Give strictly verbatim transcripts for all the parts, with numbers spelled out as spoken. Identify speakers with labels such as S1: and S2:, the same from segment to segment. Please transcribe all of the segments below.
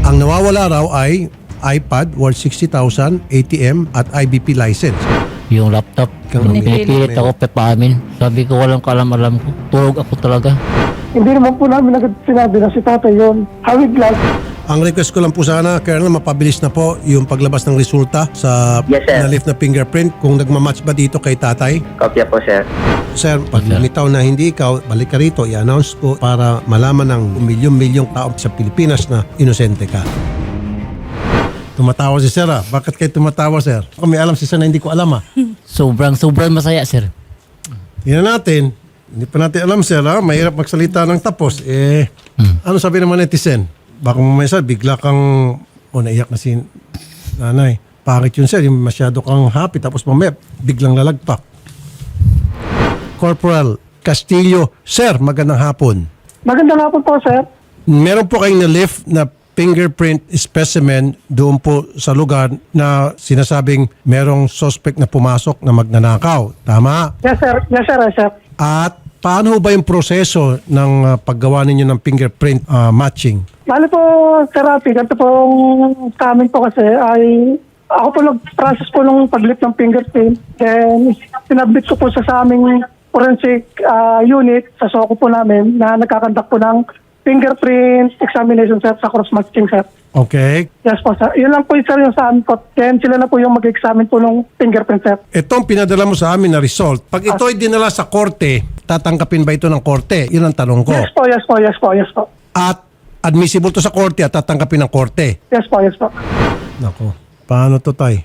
S1: Ang nawawala raw ay iPad worth sixty thousand, A T M at I B P license.
S2: Yung laptop,
S1: Kang
S2: nung pinipilit ako pepaamin. Sabi ko walang kalam-alam ko. Tulog ako talaga.
S3: Hindi naman po namin agad sinabi na si tatay yun. Hawig lang.
S1: Ang request ko lang po sana, Colonel, mapabilis na po yung paglabas ng resulta sa
S4: Yes, sir.
S1: na-lift na fingerprint. Kung nagmamatch ba dito kay tatay?
S4: Kopya po, sir.
S1: Sir, pag lumitaw na hindi ikaw, balik ka rito, i-announce ko para malaman ng milyon-milyong tao sa Pilipinas na inosente ka. Tumatawa si Sir ah. Bakit kayo tumatawa, Sir? Kung may alam si Sir na hindi ko alam ah.
S2: Sobrang, sobrang masaya, sir.
S1: Tingnan natin. Hindi pa natin alam, Sir ah. Mahirap magsalita ng tapos. Eh, ano sabi naman netizen? Baka mamaya, Sir, bigla kang, o naiyak na si nanay. Pangit yun, Sir. Yung masyado kang happy tapos mamaya biglang lalagpak. Corporal Castillo, Sir, magandang hapon.
S3: Maganda nga po po, sir.
S1: Meron po kayong na-lift na fingerprint specimen doon po sa lugar na sinasabing merong suspect na pumasok na magnanakaw. Tama?
S3: Yes, sir. Yes, sir. Yes, sir.
S1: At paano ba yung proseso ng uh, paggawa ninyo ng fingerprint uh, matching?
S3: Bali po, Sir Rafi, ganito po sa amin po kasi ay ako po nag-process po nung pag-lift ng fingerprint. Then, sinabit ko po sa, sa aming forensic uh, unit sa SOCO po namin na nagkakandak po ng fingerprint examination, sir, sa cross-matching, sir.
S1: Okay.
S3: Yes po, sir. Yun lang po, sir, yung sa amin po. Then, sila na po yung mag-examine po ng fingerprint, sir.
S1: Itong pinadala mo sa amin na result, pag ito ay dinala sa korte, tatanggapin ba ito ng korte? Yun ang tanong ko.
S3: Yes po, yes po, yes po, yes po.
S1: At admissible to sa korte at tatanggapin ng korte.
S3: Yes po, yes po.
S1: Nako, paano to, tay?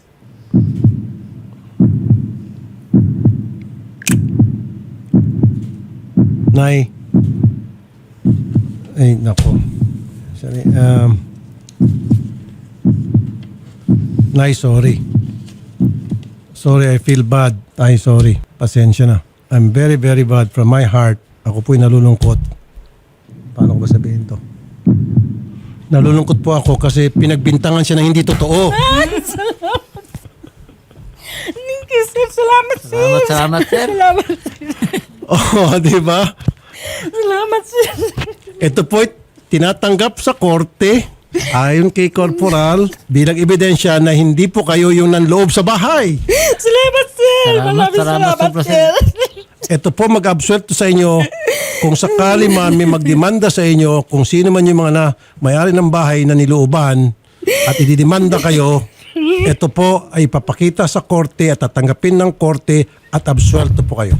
S1: Nay. Ay, nako. Sorry. Um, Nay, sorry. Sorry, I feel bad. Ay, sorry. Pasensya na. I'm very, very bad from my heart. Ako po'y nalulungkot. Paano ko ba sabihin to? Nalulungkot po ako kasi pinagbintangan siya na hindi totoo.
S5: Thank you, sir. Salamat, sir.
S2: Salamat, salamat, sir.
S5: Salamat, sir.
S1: Oh, di ba?
S5: Salamat, sir.
S1: Ito po'y tinatanggap sa korte ayon kay Corporal bilang ebidensya na hindi po kayo yung nanloob sa bahay.
S5: Salamat, sir.
S2: Salamat,
S5: Maraming
S2: salamat,
S5: salamat,
S2: sobra,
S5: sir.
S1: Ito po mag-absuelto sa inyo kung sakali man may magdemanda sa inyo kung sino man yung mga na may-ari ng bahay na nilooban at ididemanda kayo, ito po ay papakita sa korte at tatanggapin ng korte at absuelto po kayo.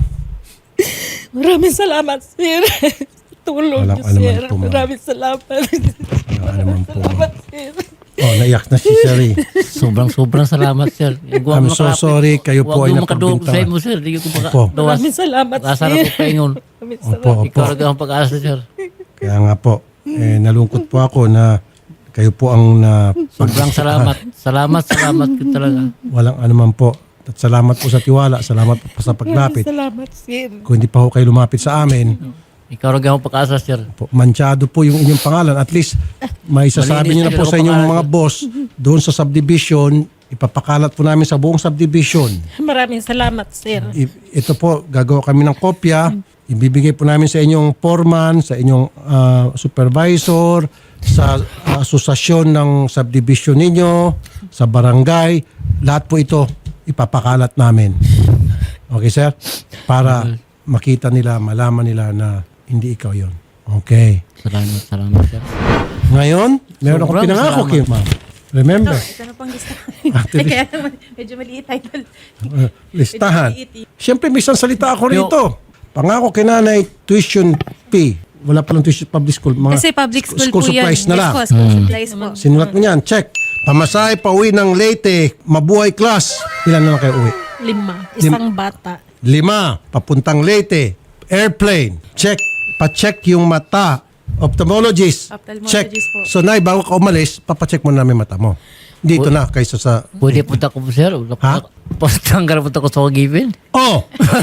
S5: Maraming salamat, sir. Tulong
S1: Walang
S5: niyo,
S1: anuman
S5: sir.
S1: po, ma'am.
S5: Maraming salamat.
S1: Walang anuman po, ma'am.
S5: Salamat, sir.
S1: Oh, naiyak na si Sherry.
S2: Sobrang, sobrang salamat, sir.
S1: I'm so sorry, kayo po ay
S2: napagdulog sa
S1: napagbintangan.
S2: mo, sir. Hindi ko
S1: Opo.
S2: makadawas.
S5: Maraming salamat,
S2: Pag-asa na
S5: sir.
S2: ko kayo yun.
S5: Maraming
S1: Opo,
S5: salamat.
S1: opo.
S2: Ikaw rin ang pag-asa, sir.
S1: Kaya nga po, eh, nalungkot po ako na kayo po ang na
S2: Sobrang salamat. Salamat, salamat ko talaga.
S1: walang anuman po. At salamat po sa tiwala, salamat po sa
S5: Maraming
S1: paglapit.
S5: salamat, sir.
S1: Kung hindi pa ho kayo lumapit sa amin,
S2: Ikaw rin ang pag-asa, sir.
S1: po, mansyado po yung inyong pangalan. At least, may sasabi niyo na po sa inyong mga boss doon sa subdivision, ipapakalat po namin sa buong subdivision.
S5: Maraming salamat, sir.
S1: I- Ito po, gagawa kami ng kopya. Ibibigay po namin sa inyong foreman, sa inyong ah, supervisor, sa ah, asosasyon ng subdivision ninyo, sa barangay. Lahat po ito ipapakalat namin. Okay, sir? Para makita nila, malaman nila na hindi ikaw yon. Okay.
S2: Salamat, salamat, sir.
S1: Ngayon, meron akong
S2: Sobrang
S1: pinangako,
S2: salamat.
S1: Kim, ma'am. Remember,
S5: Ito na pang lista.
S1: After this-
S5: Kaya naman, medyo maliit, idol.
S1: uh, listahan.
S5: Medyo maliit.
S1: Siyempre, may isang salita ako rito. Pangako kay nanay, tuition fee. Wala palang tuition public school. Mga
S6: Kasi public school,
S1: school
S6: po yan.
S1: supplies na
S6: Yes
S1: lang.
S6: po, school supplies po.
S1: Sinulat mo niyan, check. Pamasahe pa uwi ng Leyte, mabuhay class. Ilan na lang kayo uwi?
S5: Lima. Isang bata.
S1: Lima, papuntang Leyte. Airplane, check. Pa-check yung mata. Ophthalmologist,
S6: Ophthalmologist
S1: check.
S6: po.
S1: So, Nay, bago ka umalis, papacheck mo namin mata mo. Dito na, kaysa sa...
S2: Pwede punta ko po, sir.
S1: Ha?
S2: Pagtanggal punta ko sa Given.
S1: Oh!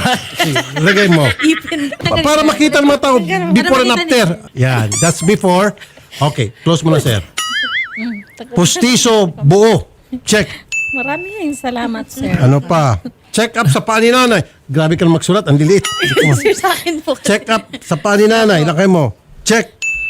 S1: Lagay mo.
S6: Ipin.
S1: Pa- para makita ng mga tao before and after. Yan, that's before. Okay, close mo na, sir. Pustiso, buo. Check.
S5: Maraming salamat, sir.
S1: Ano pa? Check up sa paa ni nanay. Grabe ka na magsulat, ang lilit.
S6: Sir, sa akin po.
S1: Check up sa paa ni nanay. Lakay mo. Check.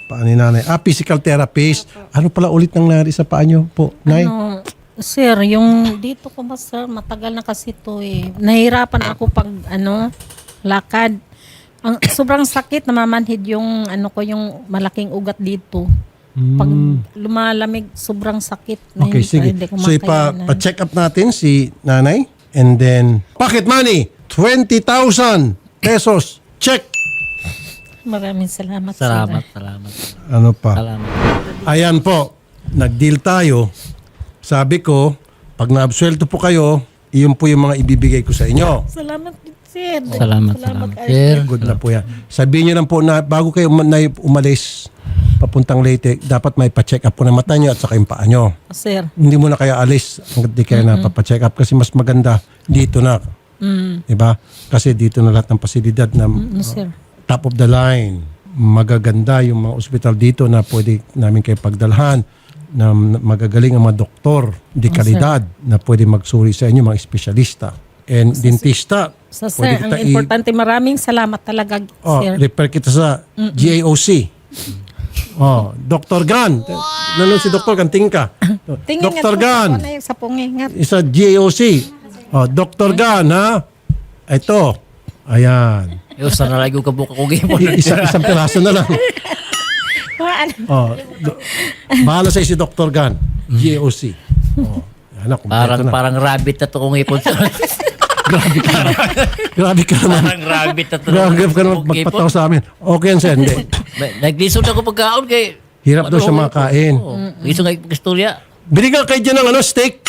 S1: paa ni nanay. Ah, physical therapist. Ano pala ulit nang nangyari sa paa nyo po, Nay?
S5: Ano, sir, yung dito ko ba sir, matagal na kasi to eh. Nahirapan ako pag ano, lakad. Ang sobrang sakit, namamanhid yung ano ko, yung malaking ugat dito. Pag lumalamig, sobrang sakit. Na
S1: Okay,
S5: hindi,
S1: sige.
S5: hindi ko
S1: So, ipa,
S5: makayanan.
S1: pa-check up natin si nanay. And then, pocket money, twenty thousand pesos. Check.
S5: Maraming salamat,
S2: Salamat,
S5: sir.
S2: salamat.
S1: Ano pa?
S2: Salamat.
S1: Ayan po, nag-deal tayo. Sabi ko, pag na-absuelto po kayo, iyon po yung mga ibibigay ko sa inyo.
S5: Salamat, sir.
S2: Salamat, salamat.
S5: kayo.
S2: Sir,
S1: Good na po yan. Sabihin nyo lang po na bago kayo um- na umalis papuntang Leyte, dapat may pa-check up po ng mata nyo at saka yung paa nyo.
S5: Sir.
S1: Hindi mo na kaya alis hanggang di kayo napapacheck up kasi mas maganda dito na.
S5: Mm.
S1: Diba? Kasi dito na lahat ng pasilidad na
S5: Ano, sir?
S1: top of the line. Magaganda yung mga ospital dito na pwede namin kayo pagdalhan na magagaling ang mga doktor, di kalidad, na pwede magsuri sa inyo, mga espesyalista. And dentista.
S5: Sa
S1: pwede
S5: sir, ang
S1: kita i-
S5: importante, maraming salamat talaga,
S1: Oh,
S5: sir.
S1: refer kita sa G A O C. Oh, Doctor Gan. Nanonood si Doctor Gan, tingin ka.
S5: Tingin
S1: Doctor
S5: nga
S1: Gan.
S5: po, ano yung sa pungingat.
S1: Isa G A O C. Oh, Doctor Gan, ha? Ito. Ayan.
S2: yung sana lagi ko kabuka ko gipon.
S1: I- isa, isang piraso na lang.
S5: Ano?
S1: Oh, do, bahala sa si Doctor Gan. G A O C. Oh, yan na, kumpleto
S2: Parang
S1: na.
S2: parang rabbit na to kung ipon.
S1: Grabe ka naman. Grabe ka naman.
S2: Parang rabbit na to.
S1: Grabe ka naman magpataw sa amin. Okay yan, sir. Hindi.
S2: Naglisod ako pagkaon kay...
S1: Hirap daw siya makain.
S2: Iso nga istorya.
S1: Binigyan kayo dyan ng ano, steak.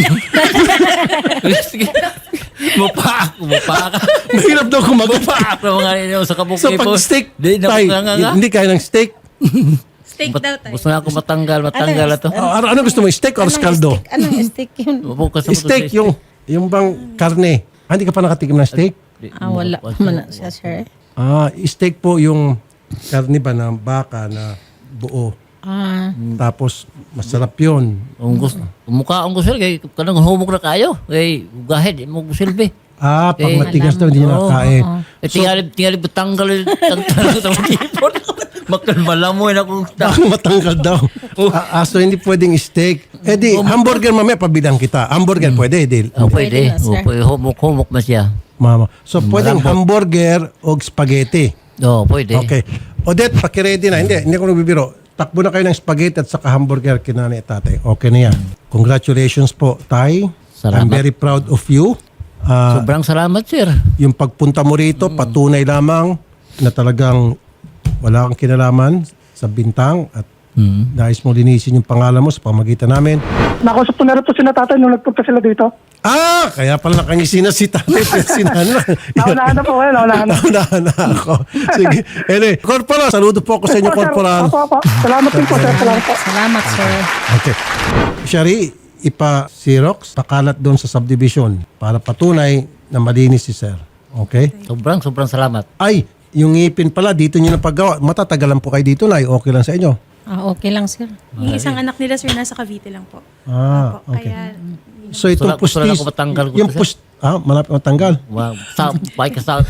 S2: Mupa ako, mupa ka.
S1: Mahirap daw kumagat.
S2: Mupa ako mga ninyo sa kabuk
S1: So pag steak,
S2: Di na
S1: tay,
S2: nga nga.
S1: hindi kaya ng steak.
S5: Steak daw tayo.
S2: Gusto nga ako matanggal, matanggal na to.
S1: Ah, ano, ano gusto mo, steak or scaldo?
S5: Anong steak yun?
S2: Bukas ako to
S1: Steak,
S2: sa
S1: yung, yung bang karne. Ah, hindi ka pa nakatikim ng steak?
S5: Ah, wala pa man siya, sir.
S1: Ah, steak po yung karne ba ng baka na buo.
S5: Ah,
S1: Tapos, masarap yun.
S2: Ang gusto, mukha ang gusto kay kanang humok na kayo. Kay gahid mo silbi.
S1: Ah, pag
S2: Eh,
S1: matigas daw, hindi niya
S2: Oo,
S1: nakakain.
S2: Eh tingali tingali betanggal tanggal sa tipon. Makan malamoy na ko.
S1: Baka matangkad daw. Ah, ah, so hindi pwedeng steak. Eh di, hamburger mamaya pabilang kita. Hamburger pwede, di.
S2: Oh,
S5: Pwede
S2: pwede.
S5: na, sir.
S2: Oh, pwede humok humok na siya.
S1: Mama. So pwedeng hamburger o spaghetti.
S2: Oh, pwede.
S1: Okay. Odette, pakiready na. Hindi, hindi ako nagbibiro. Takbo na kayo ng spaghetti at saka hamburger kinanay at tatay. Okay na yan. Congratulations po, Tay. I'm
S2: Salamat.
S1: very proud of you. Ah,
S2: Sobrang salamat, sir.
S1: yung pagpunta mo rito, patunay lamang na talagang wala kang kinalaman sa bintang at
S2: Hmm.
S1: nais mo linisin yung pangalan mo sa pamagitan namin.
S3: Nakausap ko na rin po sila tatay nung nagpunta sila dito.
S1: Ah! Kaya pala nakangisi na si tatay at si nanay.
S3: Naunahan na po kayo, naunahan na.
S1: Naunahan na ako. Sige. Anyway, Corporal, saludo po ako sa inyo,
S3: Opo, sir.
S1: Corporal.
S3: Opo, opo. Salamat din po, sir. Salamat po.
S5: salamat, sir.
S1: Okay. Shari, ipa-Xerox, pakalat doon sa subdivision para patunay na malinis si sir. Okay?
S2: Sobrang sobrang salamat.
S1: Ay, yung ngipin pala, dito nyo na paggawa. Matatagalan po kayo dito na, okay lang sa inyo.
S5: Ah, okay lang, sir.
S4: Yung isang anak nila, sir, nasa Cavite lang po.
S1: Ah,
S4: Opo,
S1: okay.
S4: Kaya,
S1: So itong
S2: Gusto lang- gusto lang
S1: pustis,
S2: ako matanggal ko
S1: yung
S2: to, sir.
S1: pust, ah, malapit matanggal.
S2: Wow. Sa bay ka sa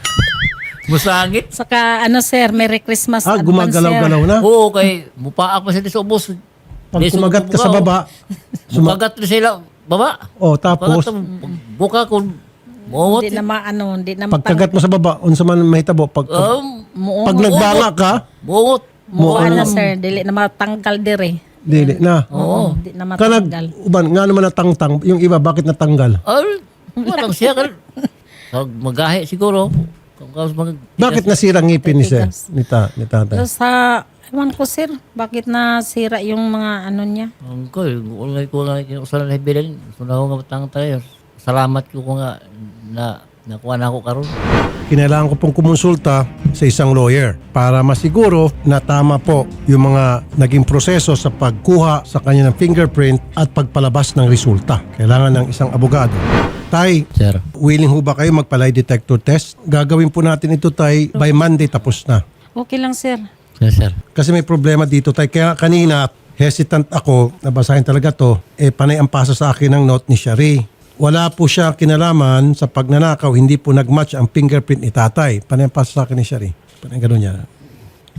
S2: musangit.
S5: Saka, ano, sir, Merry Christmas
S1: Ah,
S5: advance,
S1: gumagalaw-galaw na.
S2: Oo, kay mupa ako sila sa ubos.
S1: Pag kumagat ka sa baba, suma-
S2: Sumagat na sila baba.
S1: oh, tapos,
S2: Tapos buka ko
S5: sir.
S2: muot.
S5: Hindi na maano, hindi na
S1: pagkagat mo sa baba, unsa man may tabo, pag, pag,
S2: Um,
S1: pag nagbanga ka,
S2: muot.
S5: Muo na, sir. Dili na matanggal dire.
S1: dili na.
S5: Oo. Hindi na
S1: Kanag,
S5: matanggal.
S1: uban, nga naman natangtang, yung iba, bakit natanggal?
S2: Ay, walang siya kan. Pag magahe siguro. Kung kaos mag
S1: Bakit nasira ang ngipin ni sir?
S5: Tigas.
S1: Ni, ta, ni tatay?
S5: So, sa, ewan ko, sir, bakit nasira yung mga ano niya?
S2: Ang ko, ulay ko nga usalan na hibilin. Sunaw nga matang tayo. Salamat ko ko nga na nakuha na ako karon.
S1: Kinailangan ko pong kumonsulta sa isang lawyer para masiguro na tama po yung mga naging proseso sa pagkuha sa kanya ng fingerprint at pagpalabas ng resulta. Kailangan ng isang abogado. Tay,
S2: Sir.
S1: willing ho ba kayo magpa-lie detector test? Gagawin po natin ito, Tay, by Monday tapos na.
S5: Okay lang, sir.
S2: Yes, sir.
S1: Kasi may problema dito, Tay. Kaya kanina, hesitant ako, nabasahin talaga to, eh panay ang pasa sa akin ng note ni Shari. Wala po siya kinalaman sa pagnanakaw, hindi po nagmatch ang fingerprint ni tatay. Panay ang pasa sa akin ni Shari. Panay ganun niya.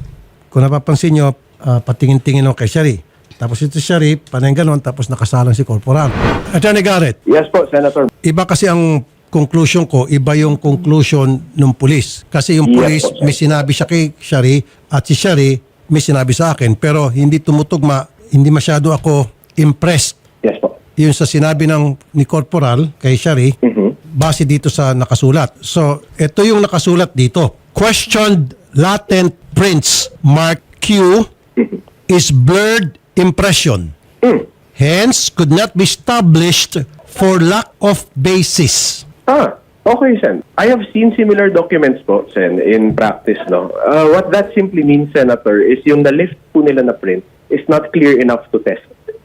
S1: kung napapansin nyo, ah, patingin-tingin ako kay Shari. Tapos ito si Shari, panay ganon, tapos nakasalang si Corporal. Attorney Garrett,
S6: Yes po, Senator.
S1: iba kasi ang conclusion ko, iba yung conclusion ng pulis. Kasi yung
S6: Yes
S1: pulis,
S6: po, sir.
S1: may sinabi siya kay Shari at si Shari may sinabi sa akin. Pero hindi tumutugma, hindi masyado ako impressed
S6: Yes po.
S1: yun sa sinabi ng ni Corporal kay Shari base dito sa nakasulat. So, ito yung nakasulat dito. Questioned latent prints mark Q is blurred impression. Hence, could not be established for lack of basis.
S6: Ah, okay, Sen. I have seen similar documents po, Sen, in practice, no? Uh, what that simply means, Senator, is yung na-lift po nila na print is not clear enough to test.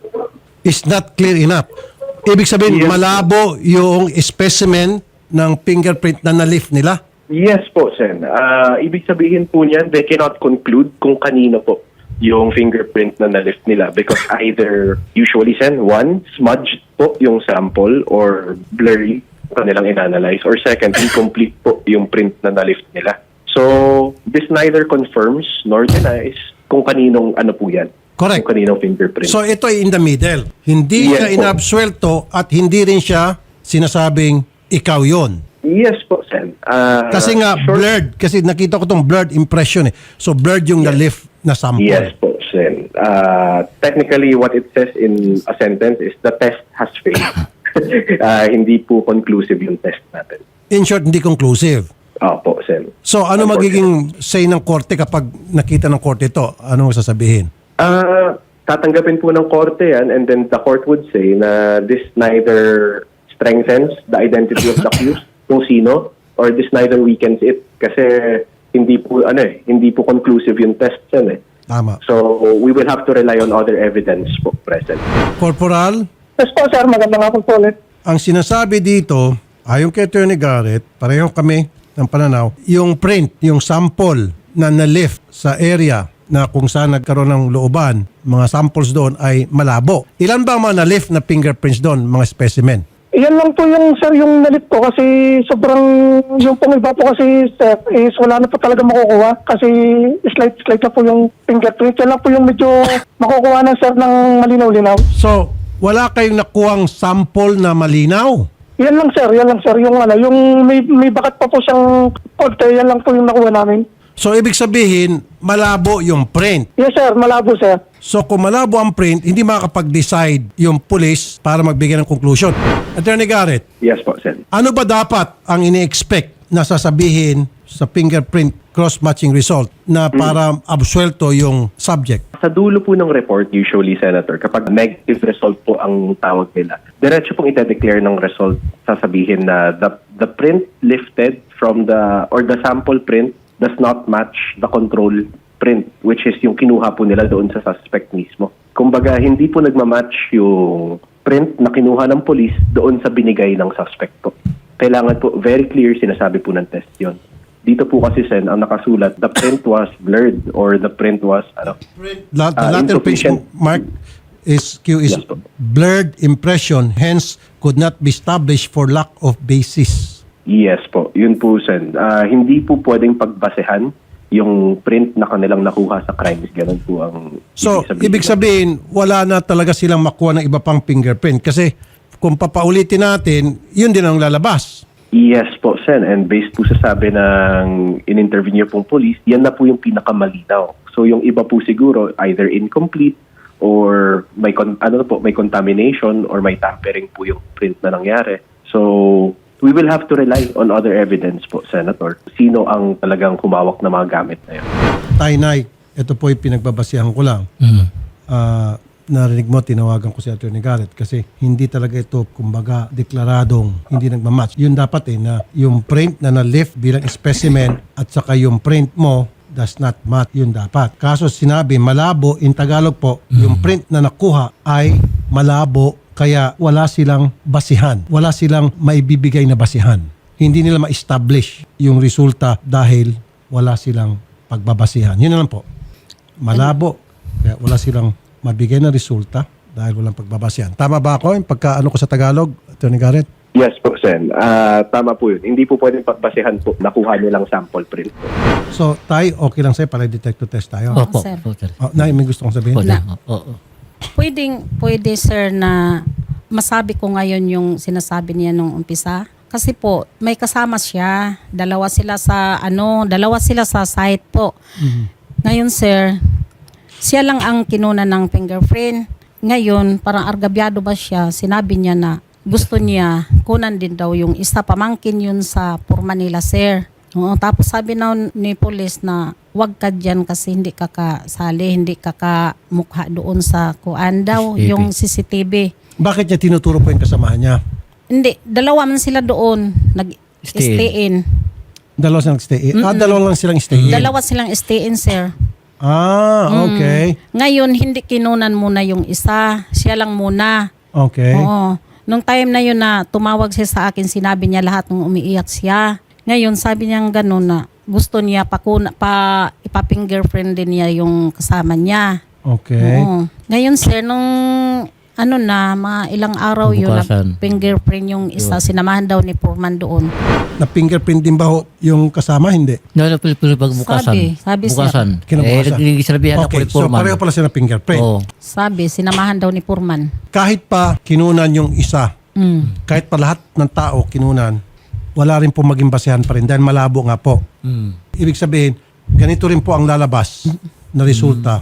S1: Is not clear enough. Ibig sabihin,
S6: Yes.
S1: malabo yung specimen ng fingerprint na na-lift nila.
S6: Yes po, Sen. Uh, ibig sabihin po niyan, they cannot conclude kung kanino po yung fingerprint na na-lift nila because either, usually, Sen, one, smudged po yung sample or blurry kanilang inanalyze, or second, incomplete po yung print na na-lift nila. So, this neither confirms nor denies kung kaninong ano po yan.
S1: Correct.
S6: Kung kaninong fingerprint.
S1: So ito ay in the middle. Hindi
S6: Yes
S1: siya
S6: po.
S1: inabsuelto at hindi rin siya sinasabing ikaw yon.
S6: yes po, Sen. Uh,
S1: Kasi nga
S6: short-
S1: blurred. Kasi nakita ko tong blurred impression eh. So blurred yung na-lift na sample.
S6: Yes po, Sen. Uh, technically, what it says in a sentence is the test has failed. uh, hindi po conclusive yung test natin.
S1: In short, hindi conclusive.
S6: Opo, Sen.
S1: So ano magiging say ng korte kapag nakita ng korte ito? Ano sasabihin?
S6: Ah, tatanggapin po ng korte yan, and then the court would say na this neither strengthens the identity of the accused kung sino, or this neither weakens it kasi hindi po ano eh, hindi po conclusive yung test yan eh.
S1: Tama.
S6: So we will have to rely on other evidence po present.
S1: Corporal,
S3: Yes po, sir. Maganda nga po po ulit.
S1: ang sinasabi dito, ayon kay Attorney Garrett, pareho kami ng pananaw, yung print, yung sample na na-lift sa area na kung saan nagkaroon ng looban, mga samples doon ay malabo. Ilan ba ang mga na-lift na fingerprints doon, mga specimen?
S3: Yan lang po yung, sir, yung nalit ko kasi sobrang, yung pong iba po kasi, sir, is wala na po talaga makukuha kasi slight-slight na po yung fingerprint. Yan lang po yung medyo makukuha na, sir, ng malinaw-linaw.
S1: So, wala kayong nakuhang sample na malinaw?
S3: Yan lang, sir. Yan lang, sir. Yung, ano, yung may, may bakat pa po siyang konti. Yan lang po yung nakuha namin.
S1: So, ibig sabihin, malabo yung print.
S3: Yes, sir. Malabo, sir.
S1: So, kung malabo ang print, hindi makakapag-decide yung police para magbigay ng conclusion. Attorney Garrett,
S6: Yes po, Sen.
S1: ano ba dapat ang ini-expect na sasabihin sa fingerprint cross-matching result na para absuelto yung subject?
S6: Sa dulo po ng report, usually, Senator, kapag negative result po ang tawag nila, diretso pong ite-declare ng result, sasabihin na the, the print lifted from the, or the sample print does not match the control print, which is yung kinuha po nila doon sa suspect mismo. Kumbaga, hindi po nagmamatch yung print na kinuha ng police doon sa binigay ng suspect po. Kailangan po, very clear, sinasabi po ng test yon. Dito po kasi, Sen, ang nakasulat, the print was blurred or the print was, ano,
S1: La- the
S6: Ah,
S1: latter page
S6: insufficient.
S1: mark is Q is
S6: Yes, po.
S1: blurred impression, hence could not be established for lack of basis.
S6: Yes po, yun po, Sen. Ah, hindi po pwedeng pagbasehan yung print na kanilang nakuha sa crimes. Ganun po ang
S1: So, ibig sabihin, wala na talaga silang makuha ng iba pang fingerprint kasi kung papaulitin natin, yun din ang lalabas.
S6: Yes po, Sen. And based po sa sabi ng in-interview niyo pong police, yan na po yung pinakamalinaw. So, yung iba po siguro, either incomplete or may, con- ano po, may contamination or may tampering po yung print na nangyari. So, we will have to rely on other evidence po, Senator. Sino ang talagang humawak na mga gamit na yun?
S1: Tainay, ito po yung pinagbabasihan ko lang. Ah, narinig mo, tinawagan ko si Attorney Garrett kasi hindi talaga ito, kumbaga, deklaradong hindi nagmamatch. Yun dapat eh, na yung print na na-lift bilang specimen at saka yung print mo does not match, yun dapat. Kaso sinabi, malabo, in Tagalog po, yung print na nakuha ay malabo, kaya wala silang basihan. Wala silang maibibigay na basihan. Hindi nila ma-establish yung resulta dahil wala silang pagbabasihan. Yun na lang po. Malabo. Kaya wala silang mabigay na resulta dahil walang pagbabasihan. Tama ba ako yung pagkaano ko sa Tagalog, Attorney Garrett?
S6: Yes po, Sen. Ah, tama po yun. Hindi po pwedeng pagbasehan po. Nakuha nilang sample print po.
S1: So, Tay, okay lang sa'yo para detect to test tayo.
S2: Opo,
S5: sir.
S2: opo, sir.
S1: Oh, Nay, may gusto kong sabihin?
S2: Opo,
S5: Na-
S2: sir. Opo.
S5: Pwedeng, pwede sir na masabi ko ngayon yung sinasabi niya nung umpisa. Kasi po, may kasama siya. Dalawa sila sa, ano, dalawa sila sa site po. Ngayon sir, siya lang ang kinuna ng fingerprint. Ngayon, parang argabyado ba siya, sinabi niya na gusto niya kunan din daw yung isa, pamangkin yun sa Purman nila sir. Oo, tapos sabi na ni police na wag ka dyan kasi hindi ka kasali, hindi ka kamukha doon sa kuan daw,
S2: C C T V.
S5: yung C C T V.
S1: Bakit niya tinuturo po yung kasamahan niya?
S5: Hindi, dalawa man sila doon, nag-stay in.
S1: Dalawa silang stay in? Ah, dalawa lang silang stay in?
S5: Dalawa silang stay in, sir.
S1: Ah, okay.
S5: Ngayon, hindi kinunan muna yung isa, siya lang muna.
S1: Okay.
S5: Oo. Nung time na yun na tumawag siya sa akin, sinabi niya lahat nung umiiyak siya. Ngayon, sabi niya gano'n na gusto niya pa, pa ipa-fingerprint din niya yung kasama niya.
S1: Okay.
S5: Oo. Ngayon, sir, nung ano na, mga ilang araw yun, na
S2: Bukasan.
S5: fingerprint yung isa, sinamahan daw ni Purman doon.
S1: Na-fingerprint din ba ho yung kasama? Hindi.
S2: No, no, pili pag bukasan.
S5: Sabi, sabi siya.
S2: bukasan.
S1: Kinabukasan.
S2: Eh, nagsasabihan ako
S1: Okay,
S2: ni
S1: so
S2: Foreman.
S1: pareho pala sila ng fingerprint.
S2: Oo.
S5: Sabi, sinamahan daw ni Purman.
S1: Kahit pa kinunan yung isa,
S5: Mm.
S1: kahit pa lahat ng tao kinunan, wala rin po maging basehan pa rin dahil malabo nga po.
S2: Mm.
S1: Ibig sabihin, ganito rin po ang lalabas na resulta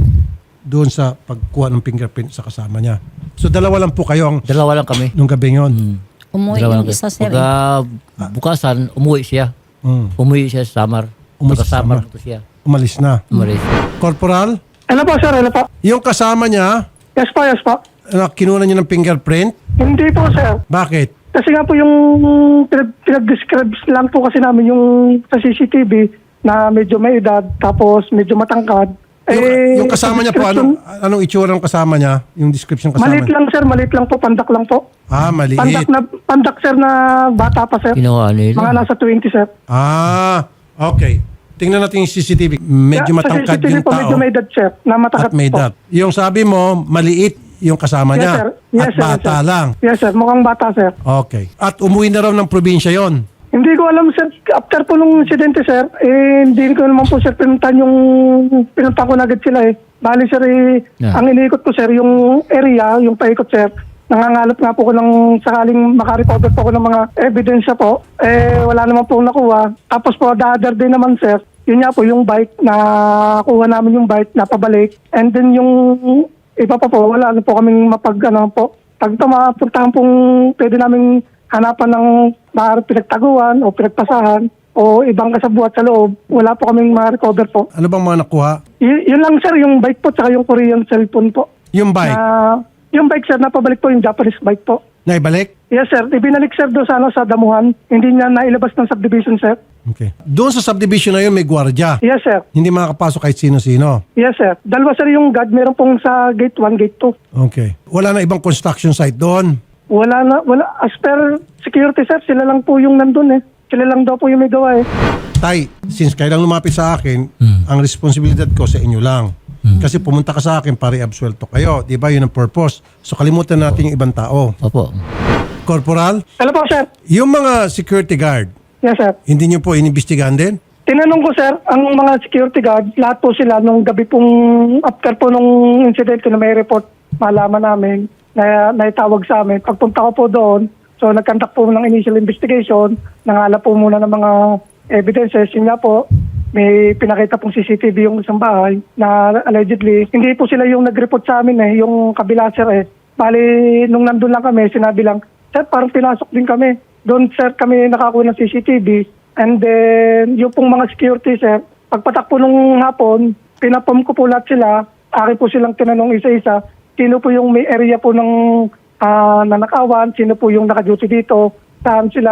S1: doon sa pagkuha ng fingerprint sa kasama niya. So dalawa lang po kayo ang
S2: Dalawa lang kami.
S1: nung gabi yon.
S2: Mm.
S5: Umuwi
S2: Dalawa
S5: yung
S2: lang
S5: isa,
S2: kami.
S5: sir.
S2: Pagka bukasan, umuwi siya.
S1: Mm.
S2: Umuwi siya sa Samar.
S1: Umuwi sa
S2: Pagka Samar
S1: Samar.
S2: po siya.
S1: Umalis na.
S2: Umalis.
S1: Corporal,
S3: Ano po, sir? Ano po?
S1: yung kasama niya,
S3: Yes po, yes po.
S1: na kinunan niyo ng fingerprint,
S3: Hindi po, sir.
S1: bakit?
S3: Kasi nga po yung pinag- pinag-describe lang po kasi namin yung sa C C T V na medyo may edad tapos medyo matangkad.
S1: Yung,
S3: Eh,
S1: yung kasama niya po,
S3: description,
S1: anong, anong itsura ng kasama niya? Yung description kasama
S3: Malit
S1: niya?
S3: lang, sir. Malit lang po. Pandak lang po.
S1: Ah, maliit.
S3: Pandak na pandak, sir, na bata pa, sir.
S2: Ginawa
S3: Mga
S2: nila.
S3: nasa twenty, sir.
S1: Ah, okay. Tingnan natin yung C C T V. Medyo
S3: Sa
S1: matangkad
S3: C C T V
S1: yung
S3: po,
S1: tao
S3: medyo may edad, sir. Na matangkad
S1: at may
S3: po.
S1: edad. Yung sabi mo, maliit yung kasama
S3: Yes,
S1: niya
S3: sir. Yes,
S1: at
S3: sir,
S1: bata
S3: yes, sir.
S1: lang.
S3: Yes, sir. Mukhang bata, sir.
S1: Okay. At umuwi na raw ng probinsya yon.
S3: Hindi ko alam, sir. After po nung insidente, sir, eh, hindi ko naman po, sir, pinuntan yung... Pinuntan ko na agad sila, eh. Bali, sir, eh,
S2: Yeah.
S3: ang iniikot ko, sir, yung area, yung paikot, sir. Nangangalap nga po ko ng sakaling makarecover po ko ng mga ebidensya po. Eh, wala naman po nakuha. Tapos po, the other day naman, sir, yun nga po, yung bike, na kuha namin yung bike, napabalik. And then yung iba pa po, wala na po kaming mapag, ano po. Pag ito, mapuntahan pong pwede namin hanapan ng maaari pinagtaguan o pinagpasahan o ibang kasabuat sa loob, wala po kaming ma-recover po.
S1: Ano bang mga nakuha?
S3: Y- yun lang, sir, yung bike po tsaka yung Korean cellphone po.
S1: Yung bike,
S3: Na, yung bike, sir, napabalik po yung Japanese bike po.
S1: naibalik?
S3: Yes, sir. Ibinalik, sir, doon sa, ano, sa damuhan. Hindi niya nailabas ng subdivision, sir.
S1: Okay. Doon sa subdivision na yun, may gwardiya.
S3: Yes, sir.
S1: Hindi makakapasok kahit sino-sino.
S3: Yes, sir. Dalawa, sir, yung guard. Meron pong sa gate one, gate two.
S1: Okay. Wala na ibang construction site doon.
S3: Wala na, wala. As per security, sir, sila lang po yung nandun, eh. Sila lang daw po yung may gawa, eh.
S1: Tay, since kayo lang lumapit sa akin, ang responsibilidad ko sa inyo lang. Kasi pumunta ka sa akin para i-absuelto kayo. Di ba? Yun ang purpose. So kalimutan natin yung ibang tao.
S2: Opo.
S1: Corporal,
S3: Hello po, sir.
S1: yung mga security guard,
S3: Yes, sir.
S1: hindi nyo po inimbestigahan din?
S3: Tinanong ko, sir, ang mga security guard, lahat po sila nung gabi pong after po nung incident na may report, malaman namin na naitawag sa amin. Pagpunta ko po doon, so nagkandak po ng initial investigation, nangalap po muna ng mga evidences. Yun nga po, may pinakita pong C C T V yung isang bahay na allegedly, hindi po sila yung nag-report sa amin eh, yung kabila, sir eh. Bali, nung nandun lang kami, sinabi lang, sir, parang pinasok din kami. Doon, sir, kami nakakuha ng C C T V. And then, yung pong mga security, sir, pagpatak po nung hapon, pinapom ko po lahat sila. Akin po silang tinanong isa-isa, sino po yung may area po ng ah, nanakawan, sino po yung naka-duty dito, saan sila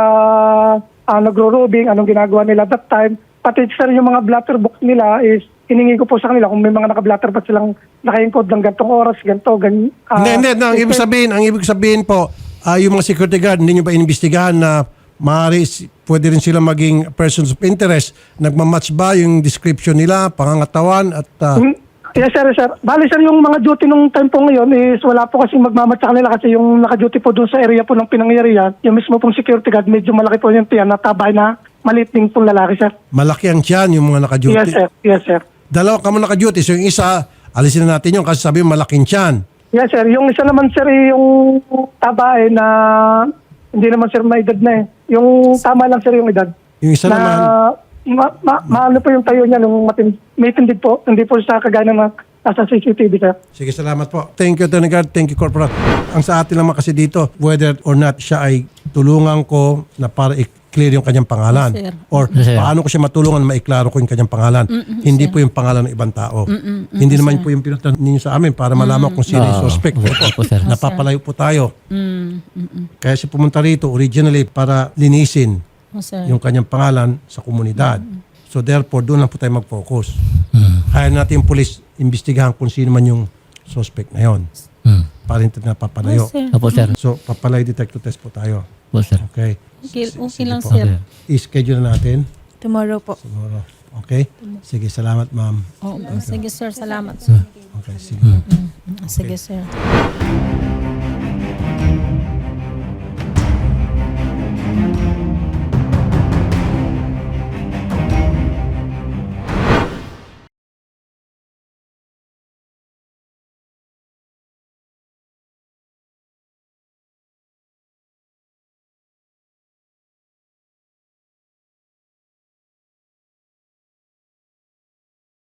S3: uh, nagro-robing, anong ginagawa nila that time. Pati, sir, yung mga blatter book nila is, hiningi ko po sa kanila kung may mga naka-blatter ba silang naka-encode ng gantong oras, ganto, gan, ah,
S1: hindi, hindi. No, ang ibig sabihin, ang ibig sabihin po, ah, yung mga security guard, hindi nyo ba inimbestigahan na maaari, si- pwede rin sila maging persons of interest? Nagmamatch ba yung description nila, pangangatawan at ah,
S3: Hin- Yes, sir, sir. Bali, sir, yung mga duty nung time po ngayon is wala po kasi magmamat sa kanila kasi yung naka-duty po doon sa area po ng pinangyarihan, yung mismo pong security guard, medyo malaki po yung tiyan na tabay na maliit din pong lalaki, sir.
S1: Malaki ang tiyan yung mga naka-duty.
S3: Yes, sir. Yes, sir.
S1: Dalawa ka mo naka-duty. So yung isa, alisin na natin yun kasi sabi mo malaking tiyan.
S3: Yes, sir. Yung isa naman, sir, eh, yung tabay na hindi naman, sir, may edad na eh. Yung tama lang, sir, yung edad.
S1: Yung isa
S3: na,
S1: naman,
S3: ma, ma, maano po yung tayo niya nung matin, may tindig po. Hindi po sa kagaya ng mga nasa C C T V, sir.
S1: sige, salamat po. Thank you, Attorney Guard. Thank you, Corporal. Ang sa atin naman kasi dito, whether or not siya ay tulungan ko na para i-clear yung kanyang pangalan.
S5: Yes, sir.
S1: Or
S2: Yes, sir.
S1: paano ko siya matulungan na maiklaro ko yung kanyang pangalan. Hindi po yung pangalan ng ibang tao. Hindi naman po yung pinunta ninyo sa amin para malaman kung sino yung
S2: Oo.
S1: suspect.
S2: Opo, opo, sir.
S1: Napapalayo po tayo.
S5: Mm, mm, mm.
S1: Kaya siya pumunta rito originally para linisin
S5: Oh, sir.
S1: yung kanyang pangalan sa komunidad. So therefore, doon lang po tayo mag-focus.
S2: Hmm.
S1: Kaya natin yung police investigahan kung sino man yung suspect na yon
S2: Hmm.
S1: para hindi na papalayo.
S5: Oh, sir.
S2: Opo, sir.
S1: So, papalayo detector test po tayo.
S2: Opo, sir.
S1: Okay?
S5: Okay, okay
S1: Sige
S5: lang,
S1: po.
S5: sir.
S1: I-schedule na natin
S4: Tomorrow po.
S1: tomorrow. Okay? Sige, salamat ma'am.
S5: Oh, sige, sir. Salamat, sir.
S1: Okay, sige.
S5: Sige, sir.